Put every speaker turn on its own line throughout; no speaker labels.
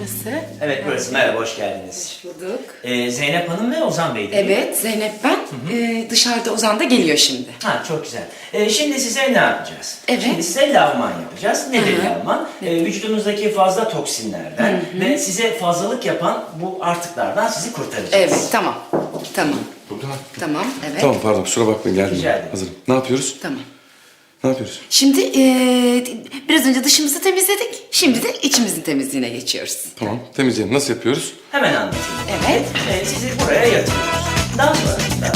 burası.
Evet burası. Merhaba, hoş geldiniz.
Hoş bulduk.
Zeynep Hanım ve Ozan Bey değil mi?
Evet, Zeynep ben. Dışarıda Ozan da geliyor şimdi.
Ha, çok güzel. Şimdi size ne yapacağız?
Evet.
Şimdi size lavman yapacağız. Nedir
Hı hı.
lavman? Vücudunuzdaki fazla toksinlerden ve size fazlalık yapan bu artıklardan sizi kurtaracağız.
Evet, tamam. Tamam.
Burada.
Tamam, evet.
Tamam pardon kusura bakmayın geldim.
Rica ederim.
Hazırım. Ne yapıyoruz?
Tamam.
Ne yapıyoruz?
Şimdi biraz önce dışımızı temizledik. Şimdi de içimizin temizliğine geçiyoruz.
Tamam temizleyelim. Nasıl yapıyoruz?
Hemen anlatayım.
Evet.
Sizi buraya yatırıyoruz. Daha sonrasında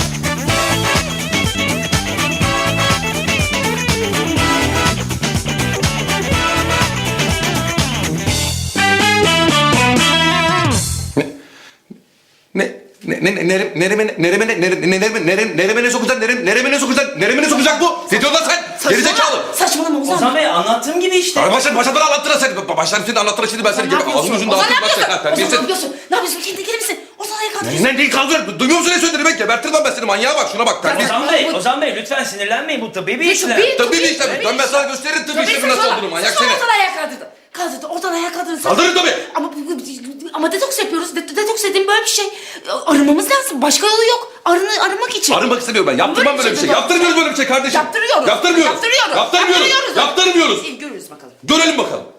Nereme ne sokacak bu? Ne diyorsun lan sen? Gerizekalı.
Saçmalama Ozan.
Ozan Bey anlattığım gibi işte.
Baştan bana anlattın sen. Baştan senin anlattığın şimdi ben seni
Ne yapıyorsun?
ağzını yüzünü
Ozan ne
dağıtırım ben
yapıyorsun?
seni.
Ozan ne yapıyorsun? Ne yapıyorsun? Kendine gelir misin? Ozan ayağa kalkıyorsun.
Ne kaldır? Duymuyor musun ne söylediğini ben? Gebertirim lan ben seni manyağa bak şuna bak. Terbiyesiz.
Ozan Bey lütfen sinirlenmeyin, bu tabbi bir işlem.
Tabbi bir işlem. Ben sana gösteririm tabbi işlemin nasıl olduğunu manyak seni.
Ozan ayağa kaldırdı. Kaldırdı. Oradan ayağa kaldırdı.
Kaldırın tabii.
Ama detoks yapıyoruz. Detoks dediğim böyle bir şey. Arınmamız lazım. Başka yolu yok. Arınmak için.
Arınmak istemiyorum ben. Yaptırmam böyle bir şey. Yaptırmıyoruz böyle bir şey kardeşim.
Yaptırıyoruz.
Yaptırmıyoruz.
Yaptırıyoruz.
Yaptırmıyoruz. Yaptırmıyoruz.
Görürüz bakalım.
Görelim bakalım.